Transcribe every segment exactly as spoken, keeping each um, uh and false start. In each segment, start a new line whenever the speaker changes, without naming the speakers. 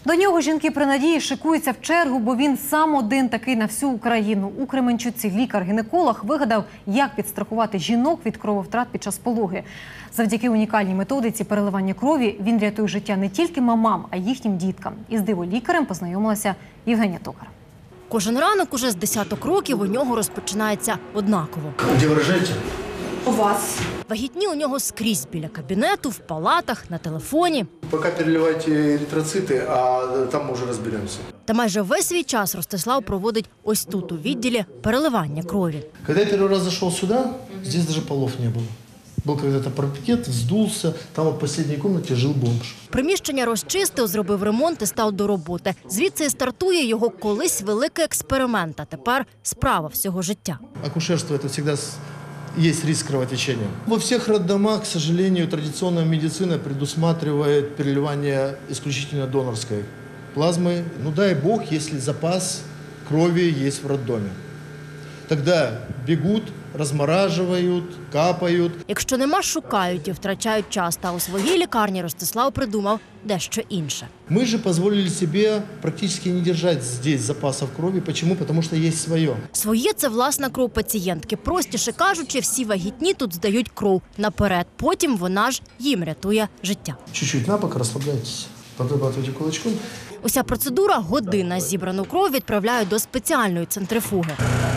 До нього жінки при надії шикуються в чергу, бо він сам один такий на всю Україну. У Кременчуці лікар-гінеколог вигадав, як підстрахувати жінок від крововтрат під час пологи. Завдяки унікальній методиці переливання крові він рятує життя не тільки мамам, а й їхнім діткам. Із диволікарем познайомилася Євгенія Токар.
Кожен ранок уже з десяток років у нього розпочинається однаково.
Де ви рожаєте?
У вас.
Вагітні у нього скрізь біля кабінету, в палатах, на телефоні.
Поки переливайте еритроцити, а там ми вже розберемося.
Та майже весь свій час Ростислав проводить ось тут, у відділі переливання крові.
Коли я перший раз зайшов сюди, здесь навіть полов не було. Був когда-то парапет, вздулся, там в останній кімнаті жив бомж.
Приміщення розчистив, зробив ремонт і став до роботи. Звідси і стартує його колись великий експеримент, а тепер справа всього життя.
Акушерство – це завжди есть риск кровотечения. Во всех роддомах, к сожалению, традиционная медицина предусматривает переливание исключительно донорской плазмы. Ну дай бог, если запас крови есть в роддоме. Тогда бегут, розморажують, капають.
Якщо нема, шукають і втрачають час. Та у своїй лікарні Ростислав придумав дещо інше.
Ми ж дозволили собі практично не тримати тут запасів крові. Чому? Тому що є своє.
Своє – це власна кров пацієнтки. Простіше кажучи, всі вагітні тут здають кров наперед. Потім вона ж їм рятує життя.
Чуть-чуть на бок, розслабляйтесь, подрабатуйте кулачком.
Уся процедура – година. Зібрану кров відправляють до спеціальної центрифуги.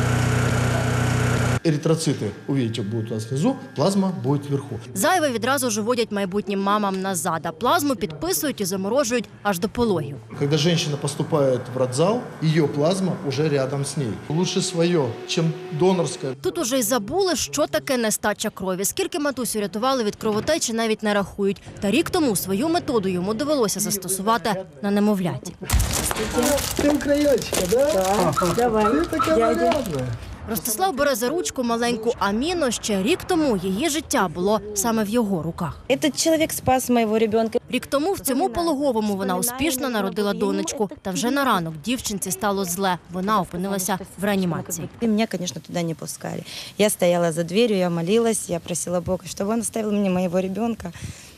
Еритроцити, увидите, будуть у нас внизу, плазма буде вверху.
Зайве відразу ж вводять майбутнім мамам назад, а плазму підписують і заморожують аж до пологів.
Коли жінка поступає в родзал, її плазма вже рядом з нею. Лучше своє, ніж донорська.
Тут уже й забули, що таке нестача крові. Скільки матусю рятували від кровотечі, навіть не рахують. Та рік тому свою методу йому довелося застосувати на немовляті.
Ти україночка, да?
Так, давай,
Ти така нарядна.
Ростислав бере за ручку маленьку Аміну. Ще рік тому її життя було саме в його руках.
Этот чоловік спас моєго ребенка.
Рік тому в цьому пологовому вона успішно народила донечку. Та вже на ранок дівчинці стало зле. Вона опинилася в реанімації.
И меня, конечно, туда не пускали. Я стояла за дверью, я молилась, я просила Бога, чтобы он оставил мне моего ребенка.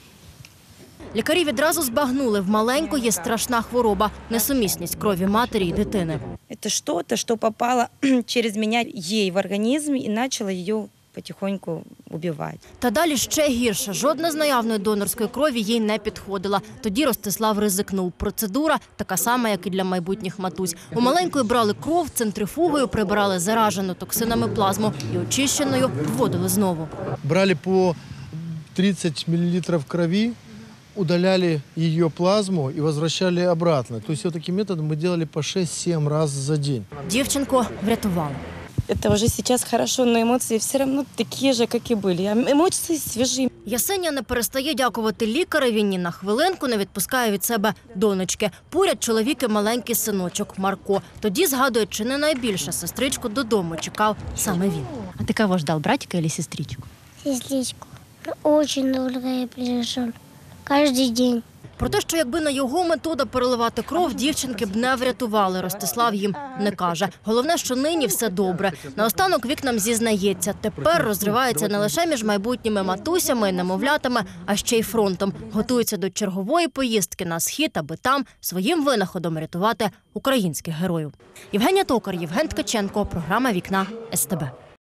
Лікарі відразу збагнули, в маленької страшна хвороба – несумісність крові матері і дитини.
Это что-то, что попало через меня ей в организм и начало ее потихоньку убивать.
Та далі ще гірше. Жодна з наявної донорської крові їй не підходила. Тоді Ростислав ризикнув. Процедура така сама, як і для майбутніх матусь. У маленької брали кров, центрифугою прибирали заражену токсинами плазму і очищеною вводили знову.
Брали по тридцать миллилитров крови, удаляли ее плазму и возвращали обратно. То есть вот таким методом мы делали по шесть-семь раз за день.
Дівчинку врятували.
Это уже сейчас хорошо, но эмоции все равно такие же, как и были. Эмоции свежие.
Ясеня не перестає дякувати лікареві, ні на хвилинку не відпускає від себе донечки. Поряд чоловік і маленький синочок Марко. Тоді згадує, чи не найбільше сестричку додому чекав саме він. А ти кого ждав, братика або сестричку?
Сестричку. Очень долго я пережил. Каждый день.
Про те, що якби на його метода переливати кров, дівчинки б не врятували, Ростислав їм не каже. Головне, що нині все добре. Наостанок вікнам зізнається, тепер розривається не лише між майбутніми матусями і немовлятами, а ще й фронтом. Готується до чергової поїздки на схід, аби там своїм винаходом рятувати українських героїв. Євгенія Токар, Євген Ткаченко, програма «Вікна» ес те бе.